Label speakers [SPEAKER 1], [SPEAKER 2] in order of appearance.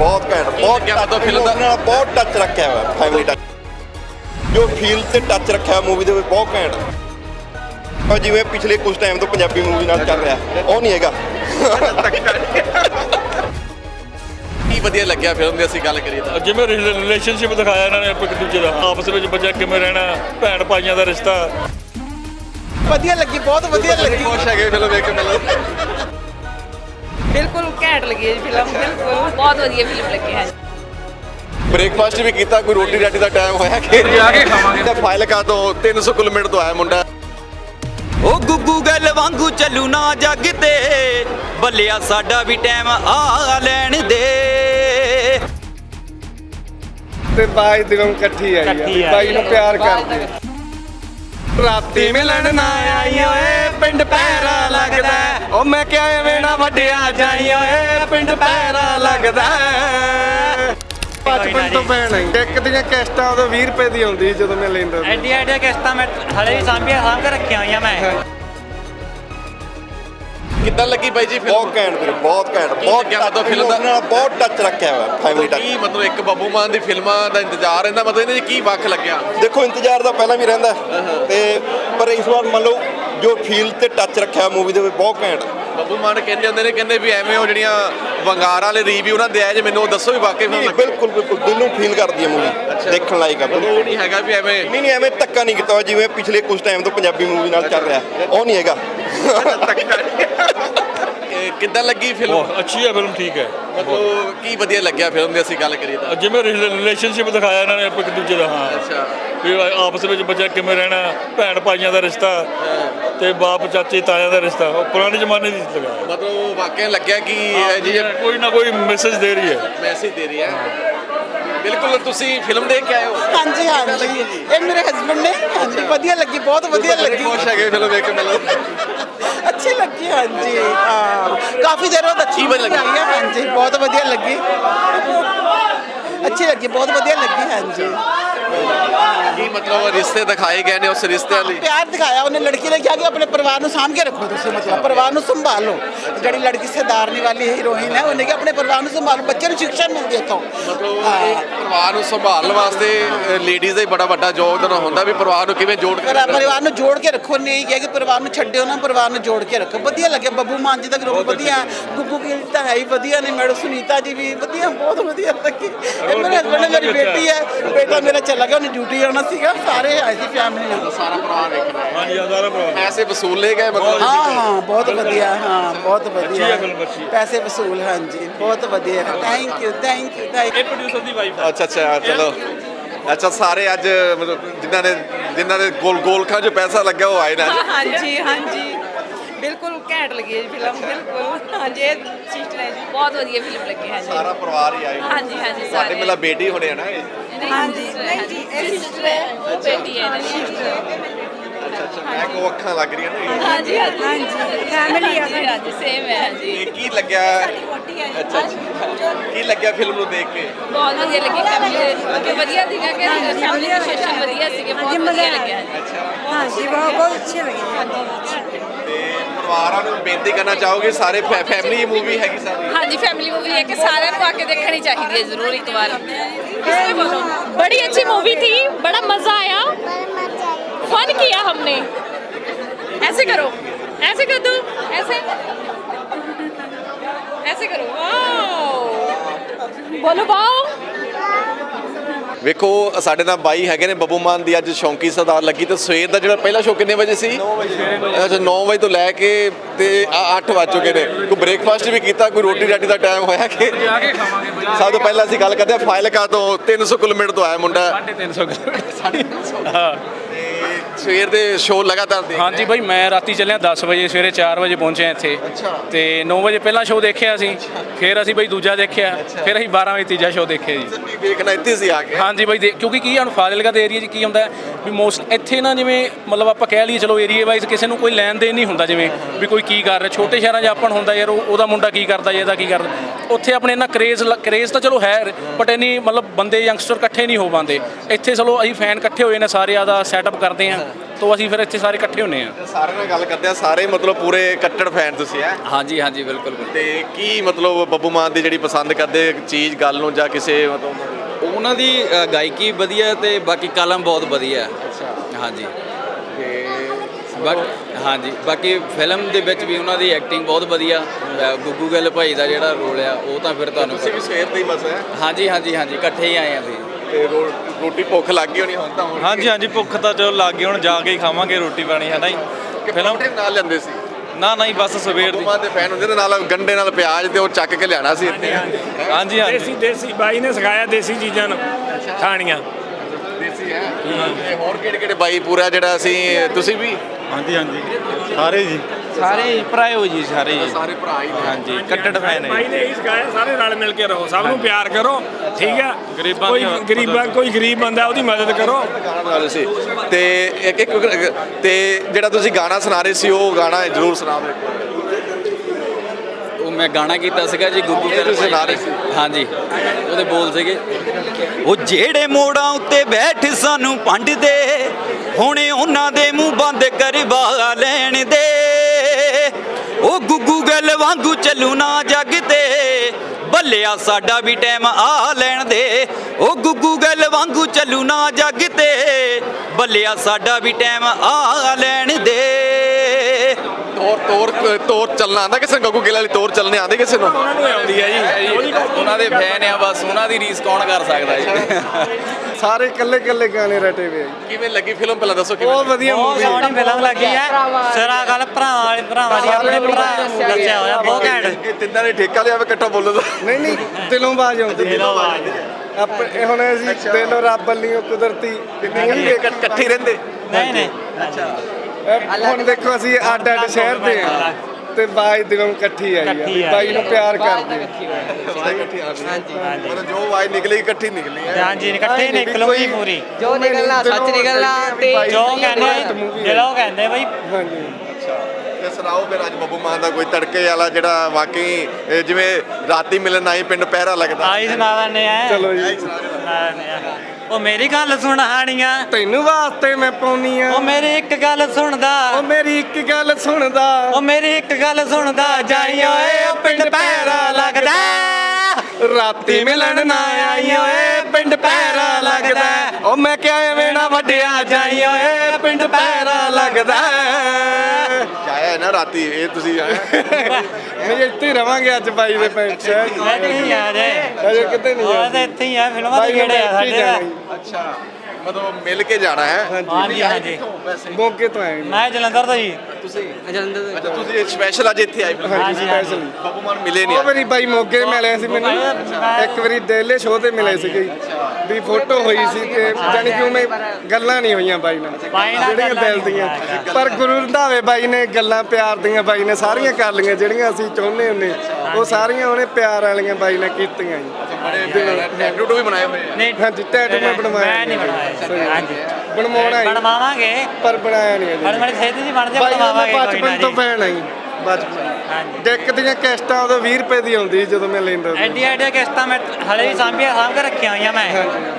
[SPEAKER 1] ਬਹੁਤ ਘੈਂਟ, ਬਹੁਤ ਫਿਲਮ ਦਾ ਬਹੁਤ ਟੱਚ ਰੱਖਿਆ ਹੋਇਆ, ਫੈਮਿਲੀ ਟੱਚ ਜੋ ਫੀਲ ਤੇ ਟੱਚ ਰੱਖਿਆ ਮੂਵੀ ਦੇ ਵਿੱਚ ਬਹੁਤ ਘੈਂਟ। ਪਰ ਜਿਵੇਂ ਪਿਛਲੇ ਕੁਝ ਟਾਈਮ ਤੋਂ ਪੰਜਾਬੀ ਮੂਵੀ ਨਾਲ ਚੱਲ ਰਿਹਾ ਉਹ ਨਹੀਂ ਹੈਗਾ।
[SPEAKER 2] ਕੀ ਵਧੀਆ ਲੱਗਿਆ ਫਿਲਮ ਦੀ ਅਸੀਂ ਗੱਲ ਕਰੀਏ ਤਾਂ
[SPEAKER 3] ਜਿਵੇਂ ਰਿਲੇਸ਼ਨਸ਼ਿਪ ਦਿਖਾਇਆ ਇਹਨਾਂ ਨੇ ਇੱਕ ਦੂਜੇ ਦਾ, ਆਪਸ ਵਿੱਚ ਬੱਚਾ ਕਿਵੇਂ ਰਹਿਣਾ, ਭੈਣ ਭਾਈਆਂ ਦਾ ਰਿਸ਼ਤਾ
[SPEAKER 4] ਵਧੀਆ ਲੱਗੀ, ਬਹੁਤ ਵਧੀਆ ਲੱਗੀ।
[SPEAKER 2] ਖੁਸ਼ ਹੈਗੇ ਫਿਲਮ ਵੇਖ ਕੇ ਮਿਲੋ।
[SPEAKER 5] ਬਿਲਕੁਲ ਘੈਂਟ ਲੱਗੀ ਹੈ ਫਿਲਮ, ਬਿਲਕੁਲ ਬਹੁਤ ਵਧੀਆ ਫਿਲਮ ਲੱਗੀ ਹੈ।
[SPEAKER 2] ਬ੍ਰੇਕਫਾਸਟ ਵੀ ਕੀਤਾ, ਕੋਈ ਰੋਟੀ ਰਾਟੀ ਦਾ ਟਾਈਮ ਹੋਇਆ ਕਿ ਜਾ ਕੇ ਖਾਵਾਂਗੇ। ਫਾਜ਼ਿਲਕਾ ਤੋਂ 300 ਕਿਲੋਮੀਟਰ ਤੋਂ ਆਇਆ ਮੁੰਡਾ।
[SPEAKER 6] ਉਹ ਗੁੱਗੂ ਗੱਲ ਵਾਂਗੂ ਚੱਲੂ ਨਾ ਜੱਗ ਤੇ, ਬੱਲਿਆ ਸਾਡਾ ਵੀ ਟਾਈਮ ਆ ਲੈਣ ਦੇ।
[SPEAKER 7] ਤੇ ਬਾਈ ਦਿਲੋਂ ਇਕੱਠੀ ਆਈ ਆ, ਬਾਈ ਨੂੰ ਪਿਆਰ ਕਰਦੀ। ਰਾਤੀ ਮਿਲਣ ਨਾ ਆਈ ਓਏ, ਪਿੰਡ ਪੈਰਾ ਲੱਗਦਾ। ਉਹ ਮੈਂ ਕਿਹਾ ਐਵੇਂ ਨਾ ਵੱਡਿਆ ਜਾਈ ਓਏ, ਪਿੰਡ ਪੈਰਾ ਲੱਗਦਾ। ਬਚਪਨ ਤੋਂ ਭੈਣ ਆਈ, ਇੱਕ ਦੀਆਂ ਕਿਸ਼ਤਾਂ ਉਦੋਂ 20 ਰੁਪਏ ਦੀ ਆਉਂਦੀ ਜਦੋਂ ਮੈਂ ਲੈਂਦਾ ਸੀ।
[SPEAKER 6] ਐਡੀਆਂ ਕਿਸ਼ਤਾਂ ਮੈਂ ਹਲੇ ਵੀ ਸਾਂਭ ਕੇ ਰੱਖੀਆਂ ਹੋਈਆਂ ਮੈਂ।
[SPEAKER 2] ਕਿੱਦਾਂ ਲੱਗੀ ਬਾਈ ਜੀ ਫਿਲਮ?
[SPEAKER 1] ਬਹੁਤ ਘੈਂਟ ਵੀਰੇ, ਬਹੁਤ ਘੈਂਟ, ਬਹੁਤ
[SPEAKER 2] ਫਿਲਮ ਦਾ
[SPEAKER 1] ਨਾਲ ਬਹੁਤ ਟੱਚ ਰੱਖਿਆ ਹੋਇਆ, ਫੈਮਿਲੀ ਟੱਚ।
[SPEAKER 2] ਕੀ ਮਤਲਬ ਇੱਕ ਬੱਬੂ ਮਾਨ ਦੀ ਫਿਲਮਾਂ ਦਾ ਇੰਤਜ਼ਾਰ ਰਹਿੰਦਾ, ਮਤਲਬ ਇਹਦੇ 'ਚ ਕੀ ਵੱਖ ਲੱਗਿਆ?
[SPEAKER 1] ਦੇਖੋ ਇੰਤਜ਼ਾਰ ਤਾਂ ਪਹਿਲਾਂ ਵੀ ਰਹਿੰਦਾ ਤੇ ਪਰ ਇਸ ਵਾਰ ਮੰਨ ਲਓ ਜੋ ਫੀਲ ਤੇ ਟੱਚ ਰੱਖਿਆ ਮੂਵੀ ਦੇ ਵਿੱਚ ਬਹੁਤ ਘੈਂਟ।
[SPEAKER 2] ਬੱਬੂ ਮਾਨ ਕਹਿੰਦੇ ਹੁੰਦੇ ਨੇ, ਕਹਿੰਦੇ ਵੀ ਐਵੇਂ ਉਹ ਜਿਹੜੀਆਂ ਵੰਗਾਰ ਵਾਲੇ ਰਿਵਿਊ ਉਹਨਾਂ ਦੇ ਆਏ ਜੇ ਮੈਨੂੰ ਉਹ ਦੱਸੋ ਵੀ ਵਾਕਈ ਫਿਲਮ ਲੱਗੀ।
[SPEAKER 1] ਬਿਲਕੁਲ ਬਿਲਕੁਲ ਦਿਲ ਨੂੰ ਫੀਲ ਕਰਦੀ ਹੈ ਮੂਵੀ, ਦੇਖਣ ਲਾਇਕ ਆ।
[SPEAKER 2] ਉਹ ਨਹੀਂ ਹੈਗਾ ਵੀ ਐਵੇਂ
[SPEAKER 1] ਨਹੀਂ ਐਵੇਂ ਧੱਕਾ ਨਹੀਂ ਕੀਤਾ ਜਿਵੇਂ ਪਿਛਲੇ ਕੁਝ ਟਾਈਮ ਤੋਂ ਪੰਜਾਬੀ ਮੂਵੀ ਨਾਲ ਚੱਲ ਰਿਹਾ ਉਹ ਨਹੀਂ ਹੈਗਾ।
[SPEAKER 2] ਕਿੱਦਾਂ ਲੱਗੀ ਫਿਲਮ?
[SPEAKER 3] ਅੱਛੀ ਹੈ ਫਿਲਮ, ਠੀਕ ਹੈ।
[SPEAKER 2] ਮਤਲਬ ਕੀ ਵਧੀਆ ਲੱਗਿਆ ਫਿਲਮ ਦੀ ਅਸੀਂ ਗੱਲ ਕਰੀਏ ਤਾਂ
[SPEAKER 3] ਜਿਵੇਂ ਰਿਲੇਸ਼ਨਸ਼ਿਪ ਦਿਖਾਇਆ ਇਹਨਾਂ ਨੇ ਇੱਕ ਦੂਜੇ ਦਾ, ਹਾਂ
[SPEAKER 2] ਅੱਛਾ
[SPEAKER 3] ਵੀ ਆਪਸ ਵਿੱਚ ਬੱਚਾ ਕਿਵੇਂ ਰਹਿਣਾ, ਭੈਣ ਭਾਈਆਂ ਦਾ ਰਿਸ਼ਤਾ ਤੇ ਬਾਪ ਚਾਚੇ ਤਾਇਆਂ ਦਾ ਰਿਸ਼ਤਾ, ਉਹ ਪੁਰਾਣੇ ਜ਼ਮਾਨੇ ਦੀ ਲਗਾਇਆ।
[SPEAKER 2] ਮਤਲਬ ਵਾਕਿਆ ਲੱਗਿਆ ਕਿ ਜੀ
[SPEAKER 3] ਕੋਈ ਨਾ ਕੋਈ ਮੈਸੇਜ ਦੇ ਰਹੀ ਹੈ।
[SPEAKER 2] ਮੈਸੇਜ ਦੇ ਰਹੀ ਹੈ। ਬਿਲਕੁਲ ਤੁਸੀਂ ਫਿਲਮ ਦੇਖ ਕੇ ਆਏ ਹੋ?
[SPEAKER 4] ਹਾਂਜੀ ਹਾਂਜੀ, ਇਹ ਮੇਰੇ ਹਸਬੰਡ ਨੇ। ਹਾਂਜੀ ਵਧੀਆ ਲੱਗੀ, ਬਹੁਤ ਵਧੀਆ ਲੱਗੀ।
[SPEAKER 2] ਖੁਸ਼ ਹੈਗੇ ਫਿਲਮ ਵੇਖ ਕੇ ਮਿਲੋ।
[SPEAKER 4] ਅੱਛੀ ਲੱਗੀ, ਹਾਂਜੀ ਹਾਂ, ਕਾਫੀ ਦੇਰ ਬਾਅਦ ਅੱਛੀ ਲੱਗੀ ਹੈ। ਹਾਂਜੀ ਬਹੁਤ ਵਧੀਆ ਲੱਗੀ, ਅੱਛੀ ਲੱਗੀ, ਬਹੁਤ ਵਧੀਆ ਲੱਗੀ। ਹਾਂਜੀ
[SPEAKER 2] ਕੀ ਮਤਲਬ ਰਿਸ਼ਤੇ ਦਿਖਾਏ ਗਏ ਨੇ, ਉਸ ਰਿਸ਼ਤੇ ਵਾਲੀ
[SPEAKER 4] ਪਿਆਰ ਦਿਖਾਇਆ ਉਹਨੇ। ਲੜਕੀ ਨੇ ਕਿਹਾ ਕਿ ਆਪਣੇ ਪਰਿਵਾਰ ਨੂੰ ਸਾਂਭ ਕੇ ਰੱਖੋ, ਤੁਸੀਂ ਮਤਲਬ ਪਰਿਵਾਰ ਨੂੰ ਸੰਭਾਲੋ। ਜਿਹੜੀ ਲੜਕੀ ਸਰਦਾਰਨੀ ਵਾਲੀ ਹੀਰੋਇਨ ਹੈ ਉਹਨੇ ਕਿਹਾ ਆਪਣੇ ਪਰਿਵਾਰ ਨੂੰ ਸੰਭਾਲੋ, ਬੱਚੇ ਨੂੰ ਸਿੱਖਿਆ ਮਿਲਦੀ ਇੱਥੋਂ।
[SPEAKER 2] ਮਤਲਬ ਪਰਿਵਾਰ ਨੂੰ ਸੰਭਾਲਣ ਵਾਸਤੇ ਲੇਡੀਜ਼ ਦਾ ਹੀ ਬੜਾ ਵੱਡਾ ਯੋਗਦਾਨ ਹੁੰਦਾ ਵੀ ਪਰਿਵਾਰ ਨੂੰ ਕਿਵੇਂ ਜੋੜ ਕੇ
[SPEAKER 4] ਪਰਿਵਾਰ ਨੂੰ ਜੋੜ ਕੇ ਰੱਖੋ। ਨਹੀਂ ਕਿਹਾ ਕਿ ਪਰਿਵਾਰ ਨੂੰ ਛੱਡਿਓ ਨਾ, ਪਰਿਵਾਰ ਨੂੰ ਜੋੜ ਕੇ ਰੱਖੋ। ਵਧੀਆ ਲੱਗਿਆ, ਬੱਬੂ ਮਾਨ ਜੀ ਦਾ ਵੀ ਰੋਲ ਵਧੀਆ, ਗੁੱਗੂ ਗਿੱਲ ਤਾਂ ਹੈ ਹੀ ਵਧੀਆ ਨੇ, ਮੈਡਮ ਸੁਨੀਤਾ ਜੀ ਵੀ ਵਧੀਆ, ਬਹੁਤ ਵਧੀਆ ਲੱਗੀ। ਇਹ ਮੇਰੇ ਹਸਬੰਡ, ਮੇਰੀ ਬੇਟੀ ਹੈ, ਬੇਟਾ ਮੇਰਾ ਚਲਾ ਗਿਆ, ਉਹਨੇ ਡਿਊਟੀ ਆਉਣਾ ਸੀਗਾ, ਸਾਰੇ ਆਏ ਸੀ ਫੈਮਿਲੀ ਨਾਲ।
[SPEAKER 2] ਸਾਰਾ ਪਰਿਵਾਰ ਵੇਖਣਾ ਹੈ।
[SPEAKER 3] ਹਾਂਜੀ ਸਾਰਾ ਪਰਿਵਾਰ।
[SPEAKER 2] ਪੈਸੇ ਵਸੂਲੇ ਗਏ ਮਤਲਬ?
[SPEAKER 4] ਹਾਂ ਬਹੁਤ ਵਧੀਆ, ਹਾਂ ਬਹੁਤ ਵਧੀਆ,
[SPEAKER 3] ਹੈ ਫਿਲਮ, ਅੱਛੀ ਹੈ।
[SPEAKER 4] ਪੈਸੇ ਵਸੂਲ, ਹਾਂਜੀ ਬਹੁਤ ਵਧੀਆ। Thank you thank you thank
[SPEAKER 3] ਇਹ ਪ੍ਰੋਡਿਊਸਰ ਦੀ ਵਾਈਫ
[SPEAKER 2] ਅੱਛਾ ਅੱਛਾ, ਚਲੋ ਅੱਛਾ। ਸਾਰੇ ਅੱਜ ਮਤਲਬ ਜਿਨ੍ਹਾਂ ਦੇ ਗੋਲਖਾਂ 'ਚ ਪੈਸਾ ਲੱਗਿਆ ਉਹ ਆਏ ਨਾ।
[SPEAKER 5] ਹਾਂਜੀ ਹਾਂਜੀ, ਬਿਲਕੁਲ ਘੈਂਟ ਲੱਗੀ ਹੈ ਫਿਲਮ, ਬਿਲਕੁਲ। ਹਾਂਜੀ ਇਹ ਸਿਸਟਰ ਹੈ ਜੀ, ਬਹੁਤ ਵਧੀਆ ਫਿਲਮ ਲੱਗੀ ਹੈ ਜੀ।
[SPEAKER 2] ਸਾਰਾ ਪਰਿਵਾਰ ਹੀ ਆਏ।
[SPEAKER 5] ਹਾਂਜੀ ਹਾਂਜੀ
[SPEAKER 2] ਸਾਡੇ
[SPEAKER 5] ਸਾਰੇ।
[SPEAKER 2] ਮੇਰਾ ਬੇਟੀ ਹੋਣੇ ਆ ਨਾ ਇਹ?
[SPEAKER 5] ਹਾਂਜੀ ਨਹੀਂ ਜੀ, ਇਹ ਸਿਸਟਰ ਹੈ, ਉਹ ਬੇਟੀ ਹੈ ਨਾ।
[SPEAKER 2] ਅੱਛਾ ਅੱਛਾ, ਮੈਂ ਕੋ ਅੱਖਾਂ ਲੱਗ ਰਹੀਆਂ ਨੇ।
[SPEAKER 5] ਹਾਂਜੀ ਹਾਂਜੀ, ਫੈਮਿਲੀ ਹੈ ਸਾਡੀ, ਸੇਮ ਹੈ ਜੀ।
[SPEAKER 2] ਇਹ ਕੀ ਲੱਗਿਆ? ਅੱਛਾ ਅੱਛਾ, ਕੀ ਲੱਗਿਆ ਫਿਲਮ ਨੂੰ ਦੇਖ ਕੇ?
[SPEAKER 5] ਬਹੁਤ ਵਧੀਆ ਲੱਗੀ ਫੈਮਿਲੀ, ਵਧੀਆ ਸੀਗਾ ਕਿ ਫੈਮਿਲੀ ਦਾ ਸੈਸ਼ਨ ਵਧੀਆ ਸੀਗੇ, ਬਹੁਤ ਵਧੀਆ ਲੱਗਿਆ ਜੀ।
[SPEAKER 8] ਹਾਂਜੀ ਬਹੁਤ ਅੱਛੀ ਲੱਗੀ।
[SPEAKER 2] ਤੇ ਪਰਿਵਾਰਾਂ ਨੂੰ ਬੇਨਤੀ ਕਰਨਾ ਚਾਹੋਗੇ, ਸਾਰੇ ਫੈਮਿਲੀ ਮੂਵੀ ਹੈਗੀ ਸਾਰੀ?
[SPEAKER 5] ਹਾਂਜੀ ਫੈमिली मूवी है कि सारे को आके देखनी चाहिए जरूर एक बार। बड़ी अच्छी मूवी थी, बड़ा मजा आया, फन किया हमने। ऐसे करो, ऐसे कर दो, ऐसे ऐसे करो, वाओ बोलो वाओ।
[SPEAKER 2] ਵੇਖੋ ਸਾਡੇ ਨਾਲ ਬਾਈ ਹੈਗੇ ਨੇ ਬੱਬੂ ਮਾਨ ਦੀ ਅੱਜ ਸ਼ੌਂਕੀ ਸਰਦਾਰ ਲੱਗੀ। ਤੇ ਸਵੇਰ ਦਾ ਜਿਹੜਾ ਪਹਿਲਾ ਸ਼ੋਅ ਕਿੰਨੇ ਵਜੇ ਸੀ? 9 ਵਜੇ। ਅੱਛਾ 9 ਵਜੇ ਤੋਂ ਲੈ ਕੇ ਤੇ 8 ਵੱਜ ਚੁੱਕੇ ਨੇ। ਕੋਈ ਬ੍ਰੇਕਫਾਸਟ ਵੀ ਕੀਤਾ, ਕੋਈ ਰੋਟੀ ਰਾਟੀ ਦਾ ਟਾਈਮ ਹੋਇਆ ਕਿ ਜਾ ਕੇ ਖਾਵਾਂਗੇ? ਸਭ ਤੋਂ ਪਹਿਲਾਂ ਅਸੀਂ ਗੱਲ ਕਰਦੇ ਹਾਂ ਫਾਜ਼ਿਲਕਾ ਤੋਂ 300 ਕਿਲੋਮੀਟਰ ਤੋਂ ਆਇਆ ਮੁੰਡਾ।
[SPEAKER 9] 350 ਕਿਲੋਮੀਟਰ। ਹਾਂ
[SPEAKER 2] ਸਵੇਰ ਦੇ ਸ਼ੋਅ ਲਗਾਤਾਰ ਦੇਖ
[SPEAKER 9] ਹਾਂਜੀ ਬਾਈ, ਮੈਂ ਰਾਤੀ ਚੱਲਿਆ 10 ਵਜੇ, ਸਵੇਰੇ 4 ਵਜੇ ਪਹੁੰਚੇ ਇੱਥੇ। ਤੇ 9 ਵਜੇ ਪਹਿਲਾ ਸ਼ੋਅ ਦੇਖਿਆ ਅਸੀਂ, ਫਿਰ ਅਸੀਂ ਬਾਈ ਦੂਜਾ ਦੇਖਿਆ, ਫਿਰ ਅਸੀਂ 12 ਵਜੇ ਤੀਜਾ ਸ਼ੋਅ ਦੇਖਿਆ ਜੀ।
[SPEAKER 2] ਵੇਖਣਾ ਇੱਥੇ ਸੀ ਆ ਕੇ?
[SPEAKER 9] ਹਾਂਜੀ ਬਾਈ, ਕਿਉਂਕਿ ਕੀ ਹੁਣ ਫਾਜ਼ਿਲਕਾ ਦੇ ਏਰੀਆ 'ਚ ਕੀ ਹੁੰਦਾ ਵੀ ਮੋਸਟ ਇੱਥੇ ਨਾ, ਜਿਵੇਂ ਮਤਲਬ ਆਪਾਂ ਕਹਿ ਲਈਏ ਚਲੋ ਏਰੀਆ ਵਾਈਜ਼ ਕਿਸੇ ਨੂੰ ਕੋਈ ਲੈਣ ਦੇਣ ਨਹੀਂ ਹੁੰਦਾ, ਜਿਵੇਂ ਵੀ ਕੋਈ ਕੀ ਕਰ ਰਿਹਾ। ਛੋਟੇ ਸ਼ਹਿਰਾਂ 'ਚ ਆਪਾਂ ਨੂੰ ਹੁੰਦਾ ਯਾਰ ਉਹਦਾ ਮੁੰਡਾ ਕੀ ਕਰਦਾ, ਇਹਦਾ ਕੀ ਕਰਦਾ। ਉੱਥੇ ਆਪਣੇ ਇੰਨਾ ਕਰੇਜ਼ ਤਾਂ ਚਲੋ ਹੈ, ਬਟ ਇੰਨੀ ਮਤਲਬ ਬੰਦੇ ਯੰਗਸਟਰ ਇਕੱਠੇ ਨਹੀਂ ਹੋ ਪਾਉਂਦੇ। ਇੱਥੇ ਚਲੋ ਅਸੀਂ ਫੈਨ ਇਕੱਠੇ ਹੋਏ ਨੇ ਸਾਰੇ, ਆਦਾ ਸੈਟਅਪ ਕਰਦੇ ਹਾਂ ਤੋਂ ਅਸੀਂ ਫਿਰ ਇੱਥੇ ਸਾਰੇ ਇਕੱਠੇ ਹੁੰਨੇ ਆ।
[SPEAKER 2] ਸਾਰਿਆਂ ਨਾਲ ਗੱਲ ਕਰਦੇ ਆ, ਸਾਰੇ ਮਤਲਬ ਪੂਰੇ ਕੱਟੜ ਫੈਨ ਤੁਸੀਂ ਹੈ।
[SPEAKER 6] ਹਾਂਜੀ ਹਾਂਜੀ ਬਿਲਕੁਲ ਬਿਲਕੁਲ।
[SPEAKER 2] ਤੇ ਕੀ ਮਤਲਬ ਬੱਬੂ ਮਾਨ ਦੀ ਜਿਹੜੀ ਪਸੰਦ ਕਰਦੇ ਚੀਜ਼ ਗੱਲ ਨੂੰ ਜਾਂ ਕਿਸੇ ਮਤਲਬ
[SPEAKER 6] ਉਹਨਾਂ ਦੀ ਗਾਇਕੀ ਵਧੀਆ ਤੇ ਬਾਕੀ ਕਲਮ ਬਹੁਤ ਵਧੀਆ। ਹਾਂਜੀ ਹਾਂਜੀ ਬਾਕੀ ਫਿਲਮ ਦੇ ਵਿੱਚ ਵੀ ਉਹਨਾਂ ਦੀ ਐਕਟਿੰਗ ਬਹੁਤ ਵਧੀਆ। ਗੁੱਗੂ ਗਿੱਲ ਭਾਈ ਦਾ ਜਿਹੜਾ ਰੋਲ ਆ ਉਹ ਤਾਂ ਫਿਰ ਤੁਹਾਨੂੰ
[SPEAKER 2] ਤੁਸੀਂ ਵੀ ਸਵੇਰ ਦੇ ਹੀ ਬਸ ਹੈ।
[SPEAKER 6] ਹਾਂਜੀ ਹਾਂਜੀ ਹਾਂਜੀ ਇਕੱਠੇ ਹੀ ਆਏ ਆ ਅਸੀਂ।
[SPEAKER 2] ਤੇ ਰੋਟੀ ਭੁੱਖ ਲੱਗ ਗਈ ਹੋਣੀ ਹੁਣ ਤਾਂ।
[SPEAKER 10] ਹਾਂਜੀ ਹਾਂਜੀ ਭੁੱਖ ਤਾਂ ਚਲੋ ਲੱਗ ਗਈ, ਹੁਣ ਜਾ ਕੇ ਹੀ ਖਾਵਾਂਗੇ ਰੋਟੀ ਪਾਣੀ ਹੈ ਨਾ ਜੀ।
[SPEAKER 2] ਫਿਲਮ ਨਾਲ ਲੈਂਦੇ ਸੀ
[SPEAKER 10] ਨਾ ਨਹੀਂ ਬਸ ਸਵੇਰ ਦੀ।
[SPEAKER 2] ਬੱਬੂ ਮਾਨ ਦੇ ਫੈਨ ਹੁੰਦੇ ਤੇ ਨਾਲ ਗੰਡੇ ਨਾਲ ਪਿਆਜ਼ ਤੇ ਉਹ ਚੱਕ ਕੇ ਲਿਆਣਾ ਸੀ ਇੱਥੇ।
[SPEAKER 10] ਹਾਂਜੀ ਹਾਂਜੀ
[SPEAKER 3] ਦੇਸੀ ਬਾਈ ਨੇ ਸਿਖਾਇਆ ਦੇਸੀ ਚੀਜ਼ਾਂ ਨੂੰ ਖਾਣੀਆਂ।
[SPEAKER 2] ਦੇਸੀ ਹੈ। ਤੇ ਹੋਰ ਕਿਹੜੇ ਕਿਹੜੇ ਬਾਈ ਪੂਰਾ ਜਿਹੜਾ ਅਸੀਂ ਤੁਸੀਂ ਵੀ?
[SPEAKER 10] ਹਾਂਜੀ ਹਾਂਜੀ ਸਾਰੇ ਜੀ, ਸਾਰੇ ਭਰਾ ਹੋ ਜੀ, ਸਾਰੇ ਜੀ,
[SPEAKER 2] ਸਾਰੇ ਭਰਾ ਹੀ ਨੇ।
[SPEAKER 10] ਹਾਂਜੀ ਕੱਟੜ ਫੈਨ ਹੈ।
[SPEAKER 3] ਬਾਈ ਨੇ ਇਹੀ ਸਿਖਾਇਆ ਸਾਰੇ ਰਲ ਮਿਲ ਕੇ ਰਹੋ, ਸਭ ਨੂੰ ਪਿਆਰ ਕਰੋ, ਠੀਕ ਆ। ਕੋਈ ਗਰੀਬ ਬੰਦਾ ਉਹਦੀ ਮਦਦ ਕਰੋ।
[SPEAKER 2] ਗਾਣਾ ਬਣਾ ਰਹੇ ਸੀ ਤੇ ਇੱਕ ਤੇ ਜਿਹੜਾ ਤੁਸੀਂ ਗਾਣਾ ਸੁਣਾ ਰਹੇ ਸੀ ਉਹ ਗਾਣਾ ਜ਼ਰੂਰ ਸੁਣਾ ਦਿਓ ਇੱਕ ਵਾਰ।
[SPEAKER 6] ਉਹ ਮੈਂ ਗਾਣਾ ਕੀਤਾ ਸੀਗਾ ਜੀ ਗੁੱਗੂ
[SPEAKER 2] ਇਹ ਤੁਸੀਂ ਸੁਣਾ ਰਹੇ ਸੀ?
[SPEAKER 6] ਹਾਂਜੀ ਉਹਦੇ ਬੋਲ ਸੀਗੇ, ਉਹ ਜਿਹੜੇ ਮੋੜਾਂ ਉੱਤੇ ਬੈਠ ਸਾਨੂੰ ਭੰਡਦੇ ਹੁਣੇ ਉਹਨਾਂ ਦੇ ਮੂੰਹ ਬੰਦ ਕਰਵਾ ਲੈਣ ਦੇ। ਉਹ ਗੁੱਗੂ ਗਿੱਲ ਵਾਂਗੂ ਚੱਲੂ ਨਾ ਜੱਗ ਤੇ ਬੱਲਿਆ ਸਾਡਾ ਵੀ ਟਾਈਮ ਆ ਲੈਣ ਦੇ। ਉਹ ਗੁੱਗੂ ਗਿੱਲ ਵਾਂਗੂ ਚੱਲੂ ਨਾ ਜੱਗ ਤੇ ਬੱਲਿਆ ਸਾਡਾ ਵੀ ਟਾਈਮ ਆ ਲੈਣ ਦੇ।
[SPEAKER 2] ਤੋਰ ਚੱਲਣਾ ਆਂਦਾ ਕਿਸੇ ਨੂੰ? ਗੱਗੂ ਗਿੱਲ ਵਾਲੀ ਤੋਰ ਚੱਲਣੇ ਆਂਦੇ ਕਿਸੇ ਨੂੰ?
[SPEAKER 3] ਉਹਨਾਂ ਨੂੰ ਆਉਂਦੀ ਆ ਜੀ,
[SPEAKER 6] ਉਹਨਾਂ ਦੇ ਫੈਨ ਆ ਬਸ, ਉਹਨਾਂ ਦੀ ਰੀਸ ਕੌਣ ਕਰ ਸਕਦਾ ਜੀ।
[SPEAKER 7] ਸਾਰੇ ਇਕੱਲੇ ਇਕੱਲੇ ਗਾਣੇ ਰਟੇ ਹੋਏ ਆ।
[SPEAKER 2] ਕਿਵੇਂ ਲੱਗੀ ਫਿਲਮ ਪਹਿਲਾਂ ਦੱਸੋ?
[SPEAKER 7] ਬਹੁਤ ਵਧੀਆ
[SPEAKER 8] ਬਹੁਤ
[SPEAKER 7] ਮੂਵੀ
[SPEAKER 8] ਸੋਹਣੀ ਫਿਲਮ ਲੱਗੀ ਹੈ। ਸਿਰਾ ਗੱਲ ਭਰਾਵਾਂ ਦੀ ਆਪਣੇ ਭਰਾ ਦੱਸਿਆ ਹੋਇਆ, ਬਹੁਤ ਘੈਂਟ।
[SPEAKER 2] ਇਹ ਤਿੰਨਾਂ ਨੇ ਠੇਕਾ ਲਿਆ ਵੇ ਇਕੱਠਾ ਬੋਲੋ ਦਾ?
[SPEAKER 7] ਨਹੀਂ ਦਿਲੋਂ ਆਵਾਜ਼ ਆਉਂਦੀ। ਆਪਣੇ ਹੁਣ ਅਸੀਂ ਦਿਲੋਂ ਰੱਬ ਵੱਲੋਂ ਕੁਦਰਤੀ
[SPEAKER 2] ਇਕੱਠੇ ਰਹਿੰਦੇ?
[SPEAKER 8] ਨਹੀਂ
[SPEAKER 7] ਹੁਣ ਦੇਖੋ ਅਸੀਂ ਅੱਡ ਅੱਡ ਸ਼ਹਿਰ ਦੇ ਆ ਤੇ ਬਾਈ ਦਿਲੋਂ ਇਕੱਠੀ ਆਈ ਆ, ਬਾਈ ਨੂੰ ਪਿਆਰ ਕਰਦੇ
[SPEAKER 2] ਮਤਲਬ ਜੋ ਆਵਾਜ਼ ਨਿਕਲੀ ਇਕੱਠੀ ਨਿਕਲੀ ਹੈ।
[SPEAKER 8] ਹਾਂਜੀ ਇਕੱਠੇ ਨਿਕਲੂਗੀ ਪੂਰੀ,
[SPEAKER 7] ਜੋ ਨਿਕਲਣਾ ਸੱਚ ਨਿਕਲਣਾ ਤੇ
[SPEAKER 8] ਜੋ ਕਹਿੰਦੇ ਜਿਹੜਾ ਉਹ ਕਹਿੰਦੇ ਬਈ।
[SPEAKER 7] ਹਾਂਜੀ
[SPEAKER 2] ਤੇ ਸੁਣਾਓ ਫਿਰ ਅੱਜ ਬੱਬੂ ਮਾਨ ਦਾ ਕੋਈ ਤੜਕੇ ਵਾਲਾ ਜਿਹੜਾ ਵਾਕਈ ਜਿਵੇਂ ਰਾਤੀ ਮਿਲਣ ਆਈ ਪਿੰਡ ਪਹਿਰਾ ਲੱਗਦਾ।
[SPEAKER 8] ਆਈ ਸੁਣਾ ਦਿੰਦੇ ਆ।
[SPEAKER 7] ਚਲੋ ਜੀ।
[SPEAKER 8] ਉਹ ਮੇਰੀ ਗੱਲ ਸੁਣ ਹਾਣੀਆਂ,
[SPEAKER 7] ਤੈਨੂੰ ਵਾਸਤੇ ਮੈਂ ਪਾਉਣੀ ਆ।
[SPEAKER 8] ਉਹ ਮੇਰੀ ਇੱਕ ਗੱਲ ਸੁਣਦਾ,
[SPEAKER 7] ਉਹ ਮੇਰੀ ਇੱਕ ਗੱਲ ਸੁਣਦਾ,
[SPEAKER 8] ਉਹ ਮੇਰੀ ਇੱਕ ਗੱਲ ਸੁਣਦਾ ਜਾਈ ਓਏ ਉਹ ਪਿੰਡ ਪਹਿਰਾ ਲੱਗਦਾ।
[SPEAKER 7] ਰਾਤੀ ਮਿਲਣ ਨਾ ਆਈ ਓਏ ਪਿੰਡ ਪਹਿਰਾ ਲੱਗਦਾ। ਉਹ ਮੈਂ ਕਿਹਾ ਐਵੇਂ ਨਾ ਵੱਡਿਆ ਜਾਈ ਓਏ ਪਿੰਡ ਪਹਿਰਾ ਲੱਗਦਾ।
[SPEAKER 2] ਜਾਇਆ ਨਾ ਰਾਤੀ ਇਹ ਤੁਸੀਂ
[SPEAKER 7] ਨਹੀਂ ਇੱਥੇ ਹੀ ਰਵਾਂਗੇ ਅੱਜ ਬਾਈ ਦੇ ਪਿੰਡ ਚ।
[SPEAKER 8] ਨਹੀਂ ਆ ਜੇ
[SPEAKER 7] ਅਜੇ ਕਿਤੇ ਨਹੀਂ
[SPEAKER 8] ਉਹ ਤਾਂ ਇੱਥੇ ਹੀ ਆ, ਫਿਲਮਾਂ ਦੇ ਕਿਹੜੇ ਆ ਸਾਡੇ ਦਾ।
[SPEAKER 2] ਅੱਛਾ ਮਤਲਬ ਮਿਲ ਕੇ ਜਾਣਾ ਹੈ?
[SPEAKER 8] ਹਾਂਜੀ ਹਾਂਜੀ
[SPEAKER 7] ਮੋਗੇ ਤੋਂ ਆਏ
[SPEAKER 8] ਮੈਂ ਜਲੰਧਰ ਤੋਂ ਜੀ।
[SPEAKER 2] ਤੁਸੀਂ ਜਲੰਧਰ? ਅੱਛਾ ਤੁਸੀਂ ਸਪੈਸ਼ਲ ਅੱਜ ਇੱਥੇ ਆਏ?
[SPEAKER 7] ਹਾਂਜੀ ਸਪੈਸ਼ਲ।
[SPEAKER 2] ਬੱਬੂ ਮਾਨ ਮਿਲੇ ਨਹੀਂ?
[SPEAKER 7] ਉਹ ਵਾਰੀ ਬਾਈ ਮੋਗੇ ਮਿਲੇ ਸੀ ਮੈਨੂੰ, ਇੱਕ ਵਾਰੀ ਡੇਲੇ ਸ਼ੋਅ ਤੇ ਮਿਲੇ ਸੀਗੇ ਵੀ ਫੋਟੋ ਹੋਈ ਸੀ ਤੇ ਜਾਨੀ ਕਿ ਮੈਂ ਗੱਲਾਂ ਨਹੀਂ ਹੋਈਆਂ ਬਾਈ ਨਾਲ ਜਿਹੜੀਆਂ ਦਿਲ ਦੀਆਂ, ਪਰ ਗੁਰੂ ਰੰਧਾਵੇ ਬਾਈ ਨੇ ਗੱਲਾਂ ਪਿਆਰ ਦੀਆਂ ਬਾਈ ਨੇ ਸਾਰੀਆਂ ਕਰ ਲਈਆਂ ਜਿਹੜੀਆਂ ਅਸੀਂ ਚਾਹੁੰਦੇ ਹੁੰਦੇ, ਉਹ ਸਾਰੀਆਂ ਉਹਨੇ ਪਿਆਰ ਵਾਲੀਆਂ ਬਾਈ ਨੇ ਕੀਤੀਆਂ ਜੀ।
[SPEAKER 2] ਟੈਟੂ ਵੀ ਬਣਾਏ ਹੋਏ ਆ?
[SPEAKER 7] ਹਾਂਜੀ ਟੈਟੂ ਮੈਂ ਬਣਵਾਇਆ।
[SPEAKER 8] ਮੈਂ ਨਹੀਂ ਬਣਾਇਆ। ਹਾਂਜੀ
[SPEAKER 7] ਬਣਵਾਉਣਾ ਹੈ
[SPEAKER 8] ਬਣਵਾਵਾਂਗੇ
[SPEAKER 7] ਪਰ ਬਣਾਇਆ ਨਹੀਂ ਅਜੇ।
[SPEAKER 8] ਬੜੇ ਛੇਤੀ ਜੀ ਬਣ ਜਾ,
[SPEAKER 7] ਬਾਈ ਮੈਂ
[SPEAKER 8] ਬਣਵਾਵਾਂਗੇ ਕੋਈ ਨਾ
[SPEAKER 7] ਬਚਪਨ ਤੋਂ
[SPEAKER 8] ਜੀ।
[SPEAKER 7] ਫੈਨ ਆਈ ਬਚਪਨ।
[SPEAKER 8] ਹਾਂਜੀ
[SPEAKER 7] ਡੈਕ ਦੀਆਂ ਕਿਸ਼ਤਾਂ ਉਦੋਂ 20 ਰੁਪਏ ਦੀ ਆਉਂਦੀ ਜਦੋਂ ਮੈਂ ਲੈਂਦਾ ਸੀ।
[SPEAKER 8] ਐਡੀਆਂ ਕਿਸ਼ਤਾਂ ਮੈਂ ਹਲੇ ਵੀ ਸਾਂਭ ਕੇ ਰੱਖੀਆਂ ਹੋਈਆਂ ਮੈਂ।